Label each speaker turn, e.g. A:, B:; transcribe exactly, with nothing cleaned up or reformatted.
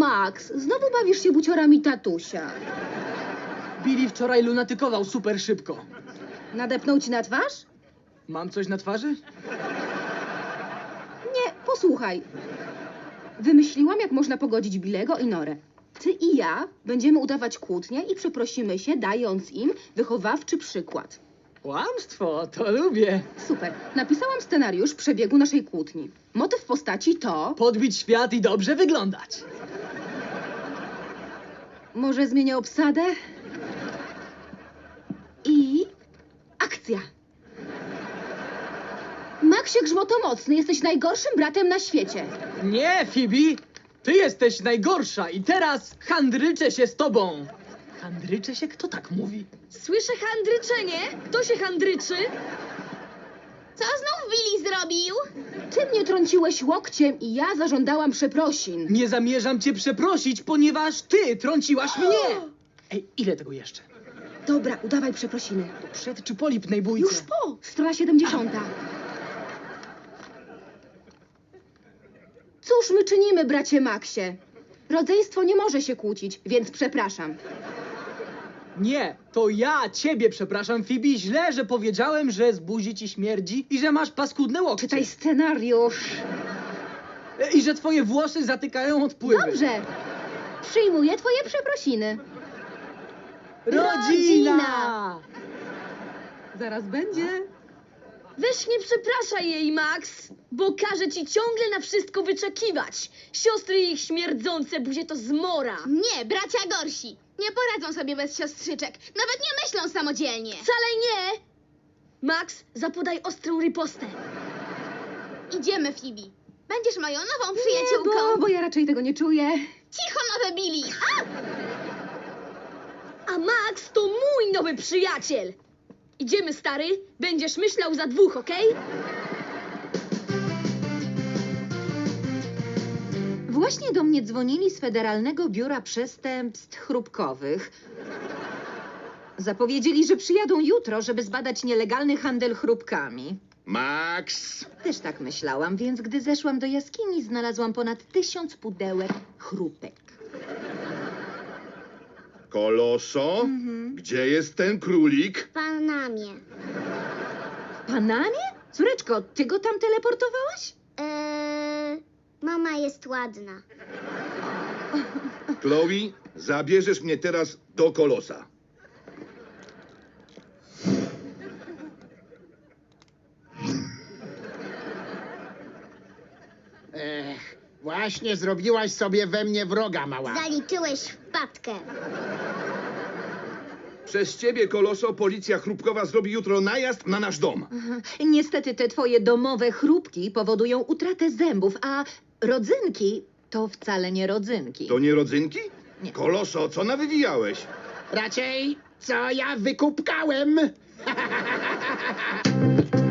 A: Max, znowu bawisz się buciorami tatusia.
B: Billy wczoraj lunatykował super szybko.
A: Nadepnął ci na twarz?
B: Mam coś na twarzy?
A: Nie, posłuchaj. Wymyśliłam, jak można pogodzić Billego i Norę. Ty i ja będziemy udawać kłótnię i przeprosimy się, dając im wychowawczy przykład.
B: Kłamstwo, to lubię.
A: Super. Napisałam scenariusz przebiegu naszej kłótni. Motyw postaci to...
B: Podbić świat i dobrze wyglądać.
A: Może zmienię obsadę? I... akcja. Maxie Grzmotomocny, jesteś najgorszym bratem na świecie.
B: Nie, Phoebe! Ty jesteś najgorsza i teraz handryczę się z tobą. Handryczę się? Kto tak mówi?
C: Słyszę handryczenie. Kto się handryczy?
D: Co znów Billy zrobił?
A: Ty mnie trąciłeś łokciem i ja zażądałam przeprosin.
B: Nie zamierzam cię przeprosić, ponieważ ty trąciłaś mnie. Ej, ile tego jeszcze?
A: Dobra, udawaj przeprosiny.
B: To przed czy po lipnej bójce?
A: Już po, strona siedemdziesiąta. Cóż my czynimy, bracie Maxie? Rodzeństwo nie może się kłócić, więc przepraszam.
B: Nie, to ja ciebie przepraszam, Phoebe. Źle, że powiedziałem, że z buzi ci śmierdzi i że masz paskudne łokcie.
A: Czytaj scenariusz.
B: E, I że twoje włosy zatykają odpływy.
A: Dobrze. Przyjmuję twoje przeprosiny.
B: Rodzina!
A: Rodzina! Zaraz będzie.
C: Weź nie przepraszaj jej, Max, bo każe ci ciągle na wszystko wyczekiwać. Siostry i ich śmierdzące buzie to zmora.
D: Nie, bracia gorsi. Nie poradzą sobie bez siostrzyczek. Nawet nie myślą samodzielnie.
C: Wcale nie! Max, zapodaj ostrą ripostę.
D: Idziemy, Phoebe. Będziesz moją nową
A: Nie,
D: przyjaciółką.
A: bo, bo ja raczej tego nie czuję.
D: Cicho, nowe Billy. A!
C: A Max to mój nowy przyjaciel. Idziemy, stary. Będziesz myślał za dwóch, okej?
E: Właśnie do mnie dzwonili z Federalnego Biura Przestępstw Chrupkowych. Zapowiedzieli, że przyjadą jutro, żeby zbadać nielegalny handel chrupkami.
F: Max!
E: Też tak myślałam, więc gdy zeszłam do jaskini, znalazłam ponad tysiąc pudełek chrupek.
F: Koloso? Gdzie jest ten królik?
D: W Panamie.
E: W Panamie? Córeczko, ty go tam teleportowałaś?
D: Eee, mama jest ładna.
F: Chloe, zabierzesz mnie teraz do Kolosa.
G: Ech, właśnie zrobiłaś sobie we mnie wroga, mała.
D: Zaliczyłeś wpadkę.
F: Przez ciebie, Koloso, policja chrupkowa zrobi jutro najazd na nasz dom.
E: Niestety te twoje domowe chrupki powodują utratę zębów, a rodzynki to wcale nie rodzynki.
F: To nie rodzynki?
E: Nie.
F: Koloso, co nawywijałeś?
G: Raczej, co ja wykupkałem?